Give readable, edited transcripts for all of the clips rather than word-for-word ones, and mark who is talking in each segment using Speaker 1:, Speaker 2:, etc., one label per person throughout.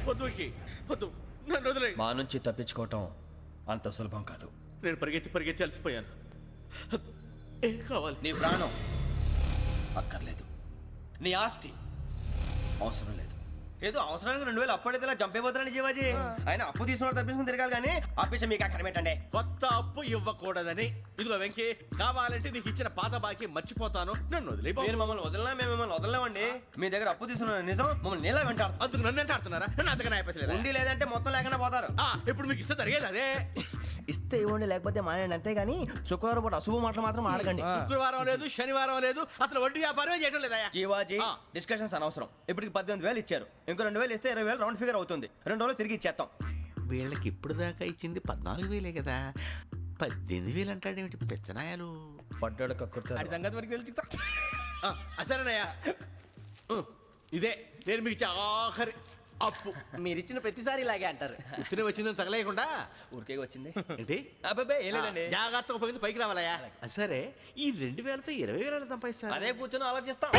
Speaker 1: వద్దు వద్దు, నన్ను వదిలే.
Speaker 2: మా నుంచి తప్పించుకోవటం అంత సులభం కాదు.
Speaker 1: నేను పరిగెత్తి అలసిపోయాను. ఏం కావాలి?
Speaker 2: నీ ప్రాణం అక్కర్లేదు, నీ ఆస్తి అవసరం లేదు. ఏదో అవసరానికి 2000 అప్పుడైతే ఇలా చంపేపోతారని జీవాజీ. ఆయన అప్పు తీసుకున్న తప్పించుకుని తిరగాలి కానీ ఆపేసి మీకు అక్కడ పెట్టండి.
Speaker 1: కొత్త అప్పు ఇవ్వకూడదని. ఇదిగో వెంకీ, కావాలంటే నీకు ఇచ్చిన పాత బాకీ మర్చిపోతాను, నన్ను వదిలే.
Speaker 2: మీరు మమ్మల్ని వదలనా? మేము మిమ్మల్ని వదలలేమండి. మీ దగ్గర అప్పు తీసుకున్న నిజం మమ్మల్ని నీలా వెంటాడు.
Speaker 1: అందుకు నన్ను ఎంత ఆడుతున్నారా? నన్ను అంతగా నాయపసలేదు.
Speaker 2: ఉండి లేదంటే మొత్తం లేకుండా పోతారు.
Speaker 1: ఇప్పుడు మీకు ఇస్తే జరిగేది అదే.
Speaker 2: ఇస్తే ఇవ్వండి, లేకపోతే మానేయండి, అంతేగాని శుక్రవారం పూట అశుభ మాటలు మాత్రం ఆడకండి.
Speaker 1: శుక్రవారం లేదు, శనివారం లేదు, అసలు వడ్డీ వ్యాపారమే చేయడం లేదా?
Speaker 2: జీవాజీ, డిస్కషన్స్ అనవసరం. ఇప్పటికి 18,000 ఇచ్చారు, ఇంకో 2,000 ఇస్తే 20,000 రౌండ్ ఫిగర్ అవుతుంది. 2 రోజులు తిరిగి ఇచ్చేస్తాం.
Speaker 1: వీళ్ళకి ఇప్పుడు దాకా ఇచ్చింది 14,000 కదా, 18,000 అంటాడేమిటి పెచ్చనాయాలు?
Speaker 2: పడ్డాడు కక్కుర్తాడు.
Speaker 3: సంగతి వరకు తెలిసి
Speaker 1: అసలేనయ్యా, ఇదే నేను మీకు ఇచ్చే ఆఖరి అప్పు.
Speaker 3: మీరు ఇచ్చిన ప్రతిసారి ఇలాగే అంటారు.
Speaker 1: ఉత్తినే వచ్చిందని తగలేయకుండా
Speaker 2: ఊరికే వచ్చింది
Speaker 1: ఏంటి?
Speaker 2: అబ్బాయి ఏం లేదండి.
Speaker 1: జాగ్రత్తగా ఉపయోగించి పైకి రావాలయ్యా. సరే, ఈ 2,000తో 20,000 సంపాదిస్తారు.
Speaker 2: అదే కూర్చొని ఆలోచిస్తాం.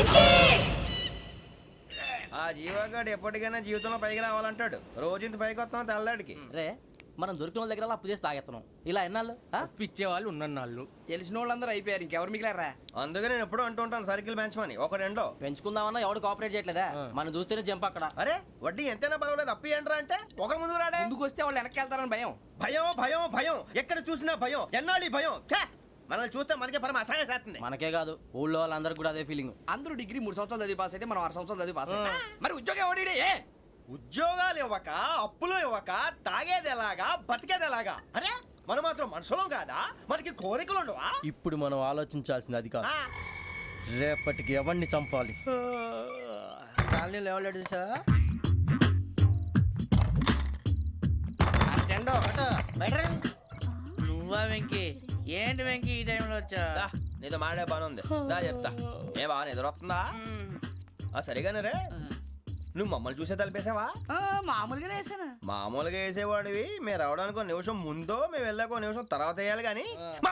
Speaker 2: ఆ జీవగాడు ఎప్పటికైనా జీవితంలో పైకి రావాలంటాడు. రోజు ఇంత పైకి వస్తాం తెల్లడికి.
Speaker 3: రే, మనం దొరికిన వాళ్ళ దగ్గర అప్పు చేసి తాగెత్తనం. ఇలా ఎన్నాళ్ళు ఇచ్చే వాళ్ళు ఉన్నన్నాళ్ళు తెలిసిన వాళ్ళందరూ అయిపోయారు, ఇంకెవరు మిగిలారా?
Speaker 2: అందుకే నేను ఎప్పుడూ అంటూ ఉంటాను, సర్కిల్ బెంచ్ మని ఒక రెండో
Speaker 3: పెంచుకుందామన్నా ఎవడు కోఆపరేట్ చేయట్లేదా? మనం చూస్తేనే జంప్ అక్కడ.
Speaker 2: అరే వడ్డీ ఎంతైనా పర్వాలేదు, అప్పు ఏంట్రా అంటే ఒక ముందు రాడే.
Speaker 3: ముందుకు వస్తే వాళ్ళు వెనక్కి వెళ్తారని భయం.
Speaker 2: భయం భయం భయం, ఎక్కడ చూసినా భయం. ఎన్నాళ్ళు భయం? మనల్ని చూస్తే మనకే పరమ అసహాయం చేస్తుంది.
Speaker 3: మనకే కాదు, ఊళ్ళో వాళ్ళందరికీ కూడా అదే ఫీలింగ్. అందరూ డిగ్రీ 3 సంవత్సరాలు చదివి పాస్ అయితే మనం 6 సంవత్సరాలు చదివి పాస్. మరి ఉద్యోగం ఎవడి?
Speaker 2: ఉద్యోగాలు ఇవ్వక, అప్పులు ఇవ్వక, తాగేది ఎలాగా, బతికేది ఎలాగా? అరే మనం మాత్రం మనుషులం కాదా? మనకి కోరికలు ఉండవా?
Speaker 3: ఇప్పుడు మనం ఆలోచించాల్సింది అది కాదు, రేపటికి ఎవరిని చంపాలి. కాలనీలో ఎవరు సార్?
Speaker 4: నువ్వా వెంకీ? ఏంటి వెంకీ ఈ టైంలో వచ్చా?
Speaker 2: నీతో మాడే పని ఉంది, దా చెప్తా. ఏ బాగా నిద్రొస్తుందా? సరిగానే రే, నువ్వు మమ్మల్ని చూసే తలిపేసావా?
Speaker 4: మామూలుగానే వేసాను.
Speaker 2: మామూలుగా వేసేవాడివి. మేము రావడానికి 1 నిమిషం ముందో, మేము వెళ్ళాక 1 నిమిషం తర్వాత వేయాలి కానీ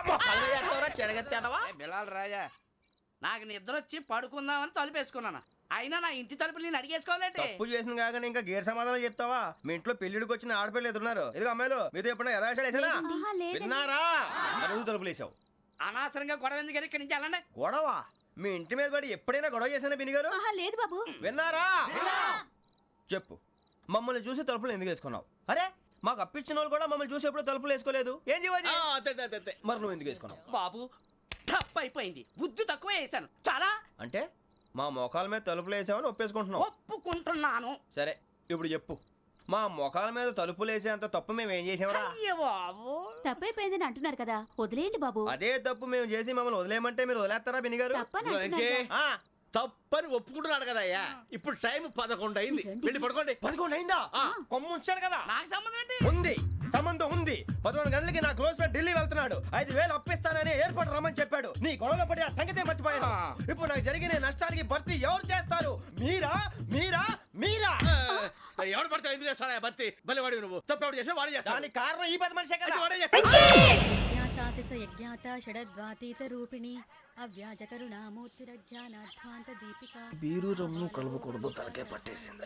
Speaker 3: బిలాల్ రాజా,
Speaker 4: నాకు నిద్ర వచ్చి పడుకుందామని తలుపేసుకున్నాను. అయినా నా ఇంటి తలుపులు నేను అడిగేసుకోవాలంటే
Speaker 2: తప్పు చేసిన కాక ఇంకా గేర్ సమాధానం చెప్తావా? మీ ఇంట్లో పెళ్లిడికి వచ్చిన ఆడపిల్లలు ఎదురున్నారు. ఇదిగో అమ్మాయిలు, మీతో ఎప్పుడైనా యథాశాలు వేసానా? విన్నారా? అడుగు తలుపులు వేసావు.
Speaker 4: అనవసరంగా గొడవ ఎందుకు? ఇక్కడి నుంచి వెళ్ళండి.
Speaker 2: గొడవ? మీ ఇంటి మీద పడి ఎప్పుడైనా గొడవ చేశానా బిని గారు?
Speaker 5: లేదు బాబు.
Speaker 2: విన్నారా? చెప్పు, మమ్మల్ని చూసి తలుపులు ఎందుకు వేసుకున్నావు? అరే మాకు అప్పించిన వాళ్ళు కూడా మమ్మల్ని చూసి ఎప్పుడు తలుపులు వేసుకోలేదు. ఏం జీవాజీ? మరి నువ్వు ఎందుకు వేసుకున్నావు?
Speaker 4: బాబు టప్ అయిపోయింది, బుద్ధి తక్కువ వేసాను చాలా.
Speaker 2: అంటే మా మోకాల మీద తలుపులు వేసామని ఒప్పేసుకుంటున్నావు?
Speaker 4: ఒప్పుకుంటున్నాను.
Speaker 2: సరే ఇప్పుడు చెప్పు, మా మొఖాల మీద తలుపులు వేసేంత తప్పు మేము ఏం చేసామరా?
Speaker 4: అయ్యో బాబు,
Speaker 5: తప్పైపోయిందని అంటున్నారు కదా, వదిలేయండి బాబు.
Speaker 2: అదే తప్పు మేము చేసి మమ్మల్ని వదిలేయమంటే మీరు వదిలేస్తారా బిని గారు?
Speaker 1: తప్పని ఒప్పుకుంటున్నాడు కదా అయ్యా. ఇప్పుడు టైం 11 అయింది, వెళ్ళి పడుకోండి.
Speaker 2: 11 అయిందా? కొమ్ము ఉంచాడు కదా.
Speaker 4: నాకు సంబంధం ఏంటి?
Speaker 2: ఉంది, సంబంధం ఉంది. 11 గంటలకి నా క్లోజ్ ఫ్రెండ్ ఢిల్లీ వెళ్తున్నాడు. 5,000 అప్పిస్తానని ఎయిర్పోర్ట్ రమ్మని చెప్పాడు. నీ గొడవలో పడి ఆ సంగతే మర్చిపోయాను. ఇప్పుడు నాకు జరిగిన నష్టానికి భర్తీ ఎవరు చేస్తారు? మీరా మీరా మీరా?
Speaker 1: ఎవడు పడితే ఎందుకు చేస్తాడా భర్తీ? భలే వాడి నువ్వు. తప్పు ఎవడు చేసా వాడే చేస్తాడు.
Speaker 2: దానికి కారణం ఈ 10 మనిషే కదా.
Speaker 1: వాడే చేస్తాడు.
Speaker 5: యజ్ఞాత షడద్వాతీత రూపిణి అవ్యాజ కరుణామూర్తిరజ్ఞానాధ్వాంత దీపిక.
Speaker 2: బీరు రమ్ము కలుపుకూడదు, తలకే పట్టేసింది.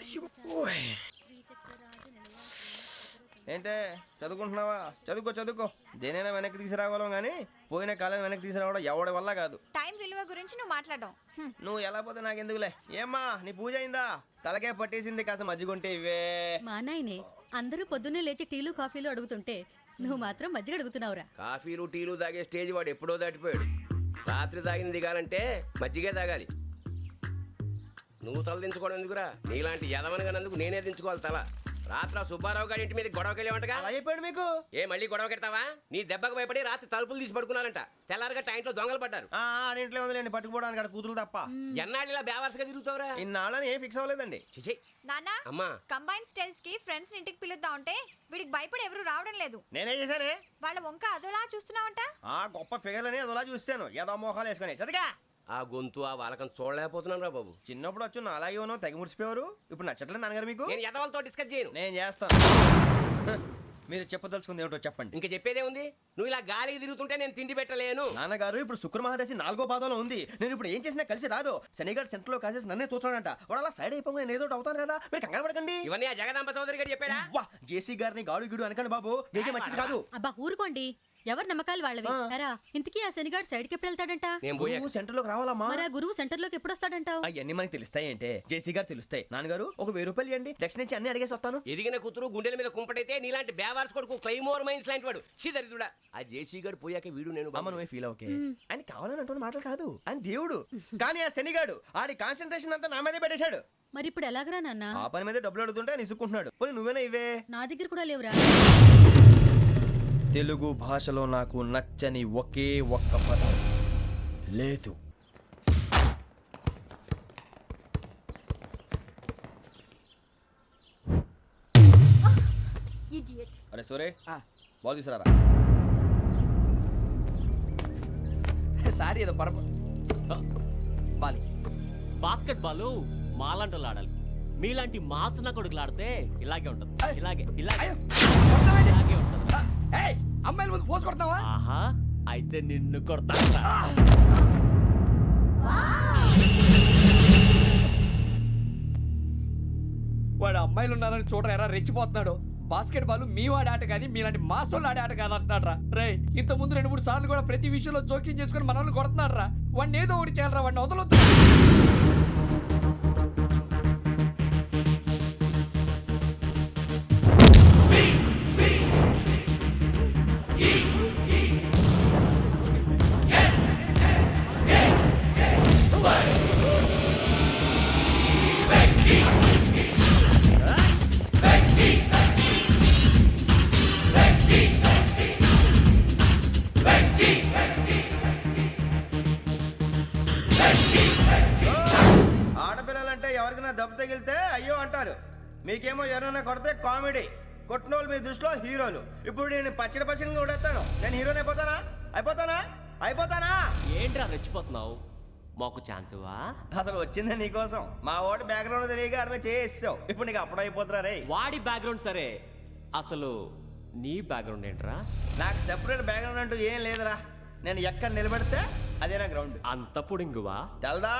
Speaker 2: ఏంటే చదువుకుంటున్నావా? చదువుకో చదువుకో. దేనైనా వెనక్కి తీసుకురావాలం కానీ పోయిన కాలం వెనక్కి తీసుకురావడం ఎవడి వల్ల కాదు.
Speaker 6: టైం విలువ గురించి నువ్వు మాట్లాడడం.
Speaker 2: నువ్వు ఎలా పోతే నాకెందుకులే. ఏమ్మా నీ పూజ అయిందా? తలకే పట్టేసింది, కాస్త మజ్జిగుంటే ఇవే.
Speaker 5: మా నాయనే అందరూ పొద్దున్నే లేచి టీలు కాఫీలు అడుగుతుంటే నువ్వు మాత్రం మజ్జిగ అడుగుతున్నావురా.
Speaker 7: కాఫీలు టీలు తాగే స్టేజ్ వాడు ఎప్పుడో దాటిపోయాడు. రాత్రి తాగింది దిగాలంటే మజ్జిగే తాగాలి. నువ్వు తల దించుకోవడం ఎందుకురా? నీలాంటి యదవనగానందుకు నేనే దించుకోవాలి తల. రాత్రి సుబ్బారావు గారి ఇంటి మీద గొడవకి వెళ్ళేవంటగా.
Speaker 2: అలా చెప్పాడు మీకు?
Speaker 7: ఏ మళ్ళీ గొడవ కెడతావా? నీ దెబ్బకు భయపడి రాత్రి తలుపులు తీసి పడుకున్నారంట. తెల్లారగా టైంట్లో దొంగలు పడ్డారు.
Speaker 2: ఇంట్లో ఉందిలేండి, పట్టుకుపోవడానికి అక్కడ కూతురు తప్ప.
Speaker 7: ఎన్నాళ్ళు ఇలా బేవర్స్గా తిరుగుతావురా?
Speaker 2: ఇన్నాళ్ళని ఏం ఫిక్స్ అవ్వలేదండి.
Speaker 7: చిచి
Speaker 6: నాన్న,
Speaker 7: అమ్మా,
Speaker 6: కంబైన్ స్టైల్స్ కి ఫ్రెండ్స్ ఇంటికి పిలుద్దాం అంటే వీడికి భయపడి ఎవరు రావడం లేదు.
Speaker 2: నేనే చేశానే.
Speaker 6: వాళ్ళ వంక అదోలా చూస్తున్నావంట.
Speaker 2: గొప్ప ఫిగర్లని అదోలా చూస్తాను, ఏదో మోహాలు వేసుకొని. చదిగా
Speaker 7: ఆ గొంతు ఆ వాలకం చూడలేకపోతున్నాను రా బాబు.
Speaker 2: చిన్నప్పుడు వచ్చి నా అలాగే ఉన్నావు, తెగ ముడిచిపోయారు. ఇప్పుడు నచ్చట్లేదు నాన్నగారు మీకు?
Speaker 7: నేను యదవలతో డిస్కస్ చేయను.
Speaker 2: నేను చేస్తాను. మీరు చెప్పదలుచుకుంది ఏమిటో చెప్పండి.
Speaker 7: ఇంకా చెప్పేదే ఉంది. నువ్వు ఇలా గాలికి తిరుగుతుంటే నేను తిండి పెట్టలేను.
Speaker 2: నాన్నగారు ఇప్పుడు శుక్ర మహాదశి 4వ పాదంలో ఉంది. నేను ఇప్పుడు ఏం చేసినా కలిసి రాదు. శనిగారు సెంటర్ లో కాసేసి నన్నే చూస్తాడంట. వాడు అలా సైడ్ అయిపోయి నేను ఏదో ఒకటి అవుతాను కదా, మీరు కంగారు పడకండి.
Speaker 7: ఇవన్నీ ఆ జగదాంబ చౌదరి గారు చెప్పాడా?
Speaker 2: వా జేసీ గారిని గాడు గిడు అనకండి బాబు, మీకే మంచిది కాదు.
Speaker 5: అబ్బా ఊరుకోండి, ఎవరి నమ్మకాలు వాళ్ళవి. ఎరా ఇంతకీ ఆ శనిగాడు సైడ్కి ఎప్పుడు వెళ్తాడంట?
Speaker 7: నేను పోయా.
Speaker 2: నువ్వు సెంటర్ లోకి రావాలమ్మా.
Speaker 5: మరి ఆ గురువు సెంటర్ లోకి ఎప్పుడు వస్తాడంటావు?
Speaker 2: అవన్నీ మనకి తెలుస్తాయి అంటే జేసీ గారు తెలుస్తాయి. నాన్నగారు ఒక 1000 రూపాయలు ఇవ్వండి, దక్షిణ నుంచి అన్ని అడిగేసి వస్తాను.
Speaker 7: ఎదిగిన కూతురు గుండెల మీద కుంపటైతే నీలాంటి బేవార్స్ కొడుకు క్లైమోర్ మైన్స్ లాంటి వాడు చీదరిదుడా. ఆ జేసీ గారు పోయాక వీడు నేను
Speaker 2: అమ్మ నువ్వే ఫీల్ ఓకే. ఆయన కావాలని అంటున్న మాటలు కాదు, ఆయన దేవుడు. కానీ ఆ శనిగాడు ఆడి కాన్సన్ట్రేషన్ అంతా నా మీదే పెట్టేశాడు.
Speaker 5: మరి ఇప్పుడు ఎలాగరా నాన్న?
Speaker 2: ఆ పని మీద డబ్బులు అడుగుతుంటే నిసుక్కుంటున్నాడు. పోనీ నువ్వేనా ఇవే.
Speaker 5: నా దగ్గర కూడా లేవురా.
Speaker 2: తెలుగు భాషలో నాకు నచ్చని ఒకే ఒక్క పదం లేదు. అరే సూరే బాల్ తీసుకురారా.
Speaker 4: సారీ ఏదో బాలి
Speaker 8: బాస్కెట్ బాల్ మాలాంటి వాళ్ళు ఆడాలి. మీలాంటి మాసన కొడుకులు ఆడితే ఇలాగే ఉంటుంది. ఇలాగే ఇలాగే ఇలాగే ఉంటుంది.
Speaker 4: అమ్మాయిల ముందు ఫోర్స్ కొడతావా?
Speaker 8: ఆహా, అయితే నిన్ను కొడతా.
Speaker 4: వాడు అమ్మాయిలు ఉన్నారని చూడరా ఎరా రెచ్చిపోతున్నాడు. బాస్కెట్ బాల్ మీ వాడి ఆట కానీ మీలాంటి మాసోళ్ళు ఆడే ఆట కాదు అంటున్నాడు రా. రే ఇంత ముందు 2-3 సార్లు కూడా ప్రతి విషయంలో జోక్యం చేసుకుని మన వాళ్ళు కొడుతున్నాడు రా. వాడిని ఏదో ఒకటి చేయాలరా, వాడిని వదలొద్దు.
Speaker 2: ఆడపిల్లలంటే ఎవరికైనా దెబ్బ తగిలితే అయ్యో అంటారు. మీకేమో ఎవరైనా కొడితే కామెడీ. కొట్టిన వాళ్ళు మీ దృష్టిలో హీరోలు. ఇప్పుడు నేను పచ్చడి కొడేస్తాను. నేను హీరోని అయిపోతానా?
Speaker 8: ఏంట్రా రెచ్చిపోతున్నావు? మాకు ఛాన్స్ ఇవ్వా?
Speaker 2: అసలు వచ్చిందే నీకోసం. మా ఓటు బ్యాక్గ్రౌండ్ తెలియక ఆడమే చేసావు. ఇప్పుడు నీకు అప్పుడు అయిపోతున్నా రే.
Speaker 8: వాడి బ్యాక్గ్రౌండ్ సరే, అసలు నీ బ్యాక్గ్రౌండ్ ఏంట్రా?
Speaker 2: నాకు సెపరేట్ బ్యాక్గ్రౌండ్ అంటూ ఏం లేదురా. నేను ఎక్కడ నిలబెడితే అదే నా గ్రౌండ్.
Speaker 8: అంత పొడింగువా?
Speaker 2: తెల్దా?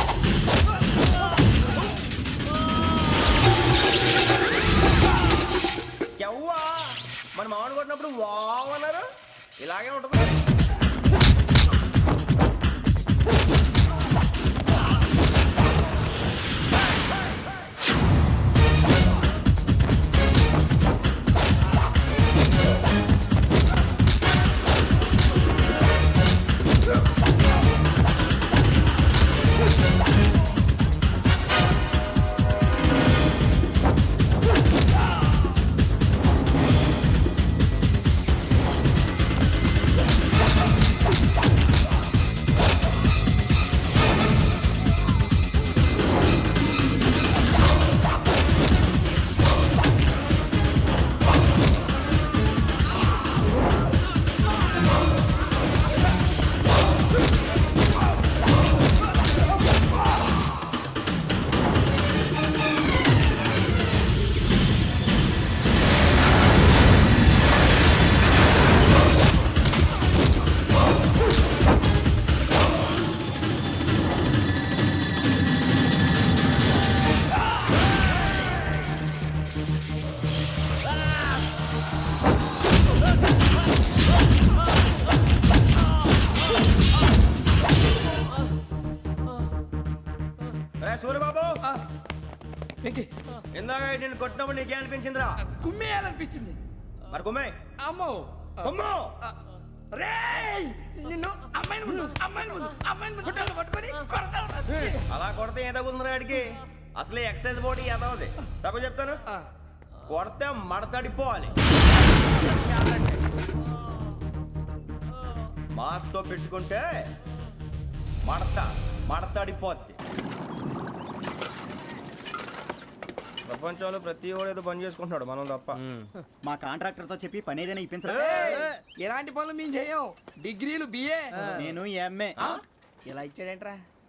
Speaker 2: ఎవ్వా మన మామిడి కొట్టినప్పుడు వావ్ అన్నారు. ఇలాగే ఉంటుంది. సూర్యబాబు ఇందాక నేను కొట్టినప్పుడు నీకే అనిపించిందిరా?
Speaker 4: కుమ్మేయాలనిపించింది.
Speaker 2: మరి కుమ్మే.
Speaker 4: అమ్మో
Speaker 2: కుమ్ము.
Speaker 4: రేయ్ నిన్ను అమ్మాయిని ముందు పట్టుకొని కొడతాను.
Speaker 2: అలా కొడితే ఏ తగ్గుతుందిరా ఆడికి? అసలే ఎక్సైజ్ బాడీ ఏదవుది. తప్పు చెప్తాను. కొడితే మడతడిపోవాలి. మాస్తో పెట్టుకుంటే మడతడిపోద్ది. ప్రపంచంలో ప్రతి వాడు ఏదో పని చేసుకుంటున్నాడు, మనం తప్ప.
Speaker 9: మా కాంట్రాక్టర్ తో చెప్పి పని ఏదైనా ఇప్పించరా?
Speaker 4: ఎలాంటి పనులు మేము చేయం. డిగ్రీలు బిఏ,
Speaker 9: నేను ఎంఏ.
Speaker 4: ఇలా ఇచ్చాడేంట్రా?